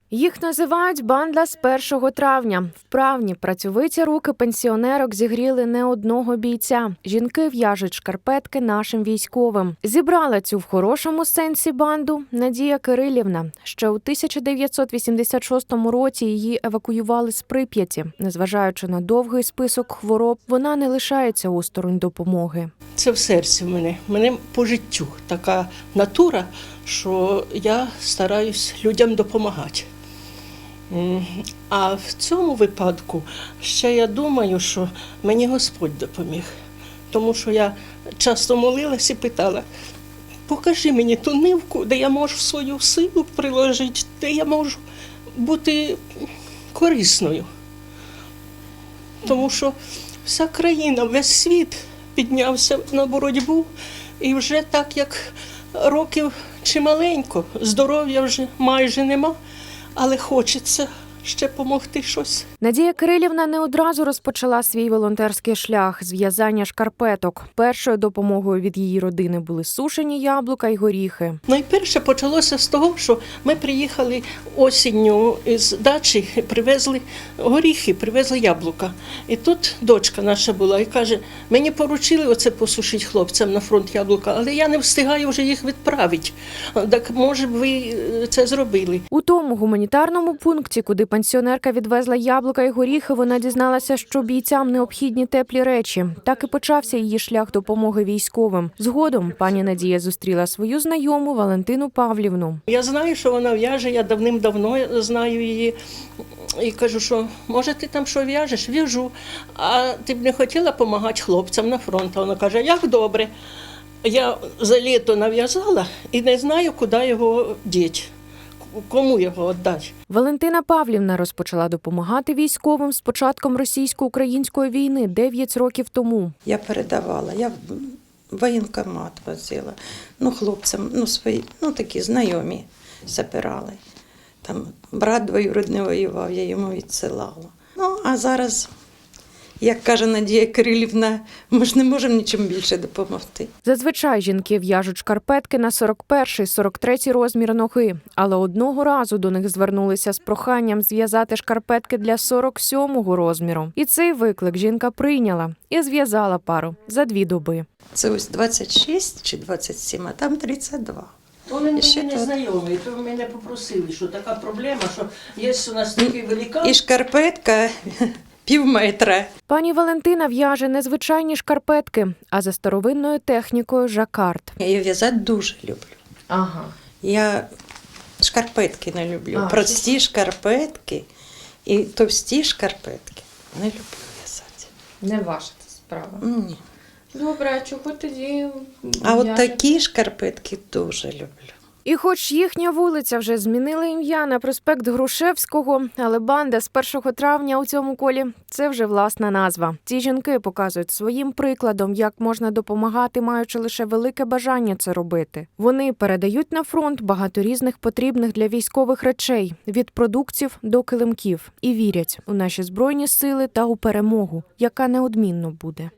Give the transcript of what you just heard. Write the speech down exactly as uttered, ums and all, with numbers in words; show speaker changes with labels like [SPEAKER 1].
[SPEAKER 1] Їх називають «банда з першого травня». Вправні, працьовиті руки пенсіонерок зігріли не одного бійця. Жінки в'яжуть шкарпетки нашим військовим. Зібрала цю в хорошому сенсі банду Надія Кирилівна. Ще у тисяча дев'ятсот вісімдесят шостому році її евакуювали з Прип'яті. Незважаючи на довгий список хвороб, вона не лишається осторонь допомоги.
[SPEAKER 2] Це в серці в мене. В мене по життю така натура, що я стараюсь людям допомагати. А в цьому випадку ще я думаю, що мені Господь допоміг. Тому що я часто молилась і питала: покажи мені ту нивку, де я можу свою силу приложити, де я можу бути корисною. Тому що вся країна, весь світ піднявся на боротьбу, і вже так, як років чималенько, здоров'я вже майже нема, але хочеться ще допомогти щось.
[SPEAKER 1] Надія Кирилівна не одразу розпочала свій волонтерський шлях з в'язання шкарпеток. Першою допомогою від її родини були сушені яблука й горіхи.
[SPEAKER 2] Найперше почалося з того, що ми приїхали осінню з дачі, привезли горіхи, привезли яблука. І тут дочка наша була і каже: мені поручили оце посушити хлопцям на фронт яблука, але я не встигаю вже їх відправити. Так може б ви це зробили?
[SPEAKER 1] У тому гуманітарному пункті, куди пенсіонерка відвезла яблука і горіхи, вона дізналася, що бійцям необхідні теплі речі. Так і почався її шлях допомоги військовим. Згодом пані Надія зустріла свою знайому Валентину Павлівну.
[SPEAKER 2] Я знаю, що вона в'яже, я давним-давно знаю її. І кажу, що може ти там що в'яжеш? В'яжу. А ти б не хотіла допомагати хлопцям на фронт? А вона каже: як добре. Я за літо нав'язала і не знаю, куди його діти. Кому його віддати?
[SPEAKER 1] Валентина Павлівна розпочала допомагати військовим з початком російсько-української війни дев'ять років тому.
[SPEAKER 3] Я передавала, я в воєнкомат возила, ну, хлопцям, ну, свої, ну, такі знайомі забирали. Там брат двоюрідний воював, я йому відсилала. Ну, а зараз, як каже Надія Кирилівна, ми ж не можемо нічим більше допомогти.
[SPEAKER 1] Зазвичай жінки в'яжуть шкарпетки на сорок перший - сорок третій розмір ноги. Але одного разу до них звернулися з проханням зв'язати шкарпетки для сорок сьомого розміру. І цей виклик жінка прийняла і зв'язала пару за дві доби.
[SPEAKER 3] Це ось двадцять шість чи двадцять сім, а там тридцять два.
[SPEAKER 2] Вони мені
[SPEAKER 3] ще
[SPEAKER 2] не
[SPEAKER 3] тут.
[SPEAKER 2] знайомі, то мене попросили, що така проблема, що є у нас такий великан.
[SPEAKER 3] І шкарпетка пів метра.
[SPEAKER 1] Пані Валентина в'яже не звичайні шкарпетки, а за старовинною технікою жакард.
[SPEAKER 3] Я її в'язати дуже люблю.
[SPEAKER 2] Ага.
[SPEAKER 3] Я шкарпетки не люблю.
[SPEAKER 2] А,
[SPEAKER 3] Прості шкарпетки і товсті шкарпетки не люблю в'язати.
[SPEAKER 4] Не ваша це справа.
[SPEAKER 3] Ні.
[SPEAKER 4] Добре, а чого тоді?
[SPEAKER 3] А от
[SPEAKER 4] в'яжете?
[SPEAKER 3] такі шкарпетки дуже люблю.
[SPEAKER 1] І хоч їхня вулиця вже змінила ім'я на проспект Грушевського, але банда з першого травня у цьому колі – це вже власна назва. Ці жінки показують своїм прикладом, як можна допомагати, маючи лише велике бажання це робити. Вони передають на фронт багато різних потрібних для військових речей – від продуктів до килимків. І вірять у наші Збройні сили та у перемогу, яка неодмінно буде.